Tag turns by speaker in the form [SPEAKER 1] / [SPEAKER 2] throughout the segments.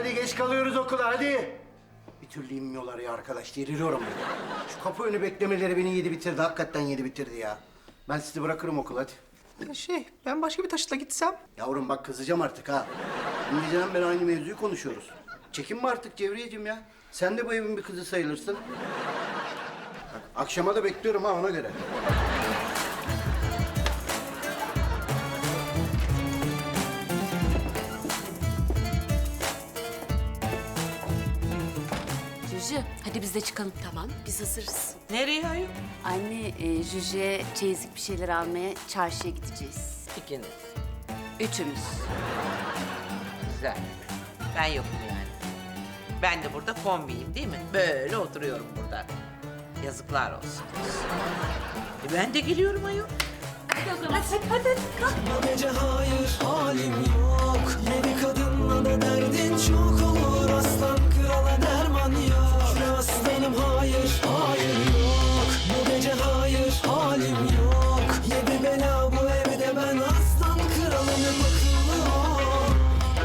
[SPEAKER 1] hadi geç kalıyoruz okula hadi. Bir türlü inmiyorlar ya arkadaş, deliriyorum. Şu kapı önü beklemeleri beni yedi bitirdi, hakikaten yedi bitirdi ya. Ben sizi bırakırım okula hadi.
[SPEAKER 2] Ben başka bir taşıtla gitsem.
[SPEAKER 1] Yavrum bak kızacağım artık ha. Dün geceden beri aynı mevzuyu konuşuyoruz. Çekinme artık Cevriyeciğim ya. Sen de bu evin bir kızı sayılırsın. Bak, akşama da bekliyorum ha ona göre.
[SPEAKER 3] Jüjü, hadi biz de çıkalım. Tamam, biz hazırız.
[SPEAKER 4] Nereye ayol?
[SPEAKER 3] Anne, Jüjü'ye çeyizlik bir şeyler almaya çarşıya gideceğiz.
[SPEAKER 4] İkiniz.
[SPEAKER 3] Üçümüz.
[SPEAKER 4] Güzel. Ben yokum yani. Ben de burada kombiyim değil mi? Böyle oturuyorum burada. Yazıklar olsun. Ben de geliyorum ayol.
[SPEAKER 5] Bu gece hayır halim yok. Yeni kadınla da derdin çok olur. Aslan krala derman yok. Şükrü aslanım hayır hayır yok. Bu gece hayır halim yok. Yedi bela bu evde ben aslan kralım akıllı ol.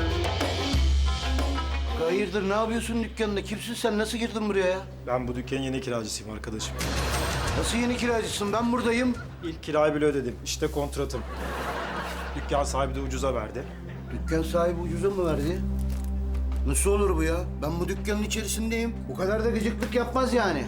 [SPEAKER 1] Hayırdır ne yapıyorsun dükkanında? Kimsin sen? Nasıl girdin buraya ya?
[SPEAKER 6] Ben bu dükkanın yeni kiracısıyım arkadaşım.
[SPEAKER 1] Nasıl yeni kiracısın? Ben buradayım.
[SPEAKER 6] İlk kirayı bile ödedim. İşte kontratım. Dükkan sahibi de ucuza verdi.
[SPEAKER 1] Dükkan sahibi ucuza mı verdi? Nasıl olur bu ya? Ben bu dükkanın içerisindeyim. Bu kadar da gıcıklık yapmaz yani.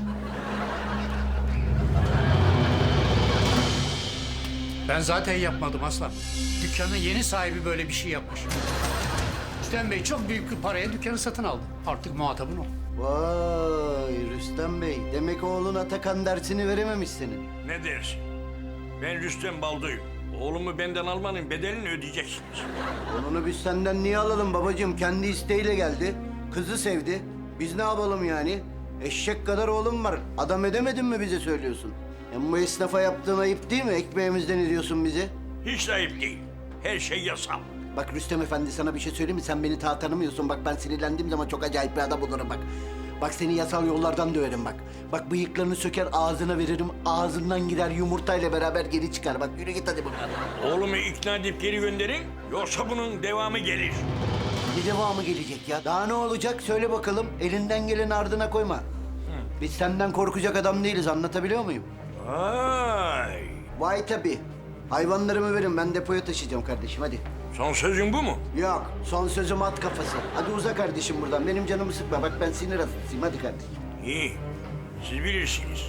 [SPEAKER 7] Ben zaten yapmadım aslan. Dükkanın yeni sahibi böyle bir şey yapmış. Rüstem Bey çok büyük bir paraya dükkanı satın aldı. Artık muhatabın o.
[SPEAKER 1] Vay Rüstem Bey. Demek oğlun Atakan dersini verememiş senin.
[SPEAKER 8] Ne dersin? Ben Rüstem Baldo'yum. Oğlumu benden almanın bedelini ödeyeceksiniz.
[SPEAKER 1] Onu biz senden niye alalım babacığım? Kendi isteğiyle geldi. Kızı sevdi. Biz ne yapalım yani? Eşek kadar oğlum var. Adam edemedin mi bize söylüyorsun? Hem bu esnafa yaptığın ayıp değil mi? Ekmeğimizden ediyorsun bizi.
[SPEAKER 8] Hiç de ayıp değil. Her şey yasal.
[SPEAKER 1] Bak Rüstem Efendi sana bir şey söyleyeyim mi? Sen beni tanımıyorsun. Bak ben sinirlendiğim zaman çok acayip bir adam olurum bak. Bak seni yasal yollardan döverim bak. Bak bıyıklarını söker ağzına veririm. Ağzından gider yumurtayla beraber geri çıkar. Bak yürü git hadi bakalım.
[SPEAKER 8] Oğlumu ikna edip geri gönderin. Yoksa bunun devamı gelir.
[SPEAKER 1] Ne devamı gelecek ya? Daha ne olacak? Söyle bakalım. Elinden geleni ardına koyma. Biz senden korkacak adam değiliz. Anlatabiliyor muyum?
[SPEAKER 8] Vay.
[SPEAKER 1] Vay tabii. Hayvanlarımı verin. Ben depoya taşıyacağım kardeşim. Hadi.
[SPEAKER 8] Son sözün bu mu?
[SPEAKER 1] Yok. Son sözüm at kafası. Hadi uza kardeşim buradan. Benim canımı sıkma. Bak ben sinir hastasıyım. Hadi kardeşim.
[SPEAKER 8] İyi. Siz bilirsiniz.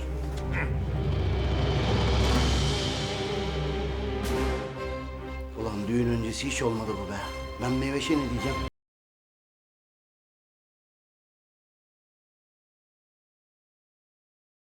[SPEAKER 1] Ulan düğün öncesi hiç olmadı bu be. Ben Meyveş'e ne diyeceğim?